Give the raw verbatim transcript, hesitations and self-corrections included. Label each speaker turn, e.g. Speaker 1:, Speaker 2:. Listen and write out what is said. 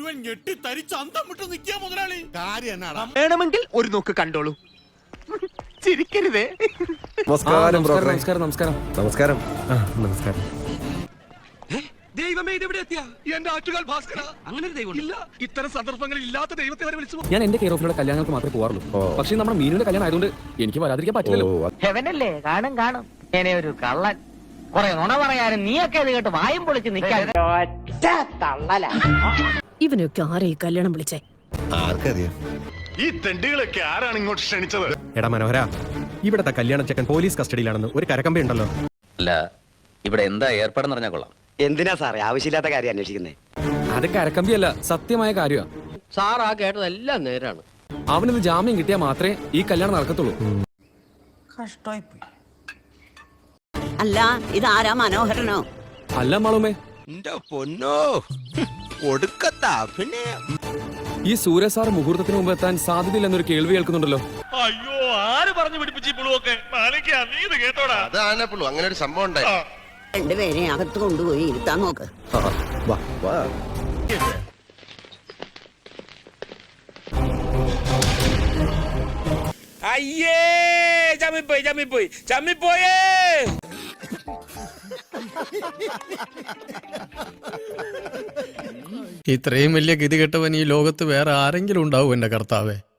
Speaker 1: മുഴുവൻ ഞെട്ടി തരിച്ച് അന്തം വിട്ട് നിൽക്കുക മുതലാളി. കാര്യം എന്നാടാ?
Speaker 2: വേണമെങ്കിൽ ഒരു നോക്ക് കണ്ടോളൂ. ചിരിക്കരുതേ.
Speaker 3: നമസ്കാരം
Speaker 4: നമസ്കാരം നമസ്കാരം
Speaker 3: നമസ്കാരം നമസ്കാരം.
Speaker 2: ദൈവമേ, ഇതെവിടെ എത്തിയ എന്റെ ആറ്റുകാൽ ഭാസ്കര? അങ്ങനെ ഒരു ദൈവം ഇല്ല. ഇത്തരം സന്ദർഭങ്ങളിൽ ഇല്ലാത്ത ദൈവത്തെ വരെ വിളിച്ചു.
Speaker 4: ഞാൻ എന്റെ കെയർ ഓഫിലുള്ള കല്യാണങ്ങൾക്ക് മാത്രമേ പോകാറുള്ളൂ. പക്ഷേ നമ്മുടെ മീനുടെ കല്യാണം ആയതുകൊണ്ട് എനിക്ക് വരാതിരിക്കാൻ പറ്റില്ലല്ലോ.
Speaker 5: ഹെവനല്ലേ? കാണും കാണും. ഇങ്ങനെ ഒരു കള്ളൻ കുറെ നുണ പറയാനും നീയൊക്കെ അത് കേട്ട് വായും പൊളിച്ച് നിൽക്കാൻ.
Speaker 6: ഇവനൊക്കെ ആരെ ഈ കല്യാണം വിളിച്ചേ?
Speaker 3: ആർക്കറിയാം?
Speaker 7: ഈ തെണ്ടികളൊക്കെ ആരാണ് ഇങ്ങോട്ട് ക്ഷണിച്ചത്?
Speaker 8: എടാ മനോഹര, ഇവിടത്തെ കല്യാണ ചെക്കൻ പോലീസ് കസ്റ്റഡിയിലാണെന്ന് ഒരു കരക്കമ്പ ഉണ്ടല്ലോ.
Speaker 9: അല്ല, ഇവിടെ എന്താ ഏർപ്പാടെന്ന് പറഞ്ഞാൽ കൊള്ളാം.
Speaker 2: എന്തിനാ സാറേ ആവശ്യമില്ലാത്ത കാര്യം അന്വേഷിക്കുന്നേ?
Speaker 4: അത് കരക്കമ്പിയല്ല, സത്യമായ കാര്യമാണ്.
Speaker 5: സാർ ആ കേട്ടതെല്ലാം നേരാണ്.
Speaker 4: അവനിത് ജാമ്യം കിട്ടിയാൽ മാത്രമേ ഈ കല്യാണം നടക്കത്തുള്ളൂ.
Speaker 6: അല്ല, ഇതാരാ മനോഹരനോ?
Speaker 4: അല്ല മാളുമേ,
Speaker 2: പൊന്നോ ഒടുക്കത്താ. പിന്നെ
Speaker 4: ഈ സൂര്യ സാർ മുഹൂർത്തത്തിന് മുമ്പ് എത്താൻ സാധ്യതയില്ലെന്നൊരു കേൾവി കേൾക്കുന്നുണ്ടല്ലോ.
Speaker 1: അയ്യോ, ആര് പറഞ്ഞു പിടിപ്പിച്ചു പുളുവൊക്കെ? നീ ഇത് കേട്ടോടാ?
Speaker 3: അത് ആനപ്പുള്ളൂ, അങ്ങനെ ഒരു സംഭവം ഉണ്ടായി.
Speaker 6: രണ്ടുപേരെ അകത്ത് കൊണ്ടുപോയി ഇരുത്താൻ നോക്ക്.
Speaker 3: വാ വാ.
Speaker 2: അയ്യേ, ചമ്മിപ്പോയി ചമ്മിപ്പോയി ചമ്മിപ്പോയേ.
Speaker 10: ഇത്രയും വലിയ ഗതി കെട്ടവൻ ഈ ലോകത്ത് വേറെ ആരെങ്കിലും ഉണ്ടാവും എന്റെ കർത്താവേ?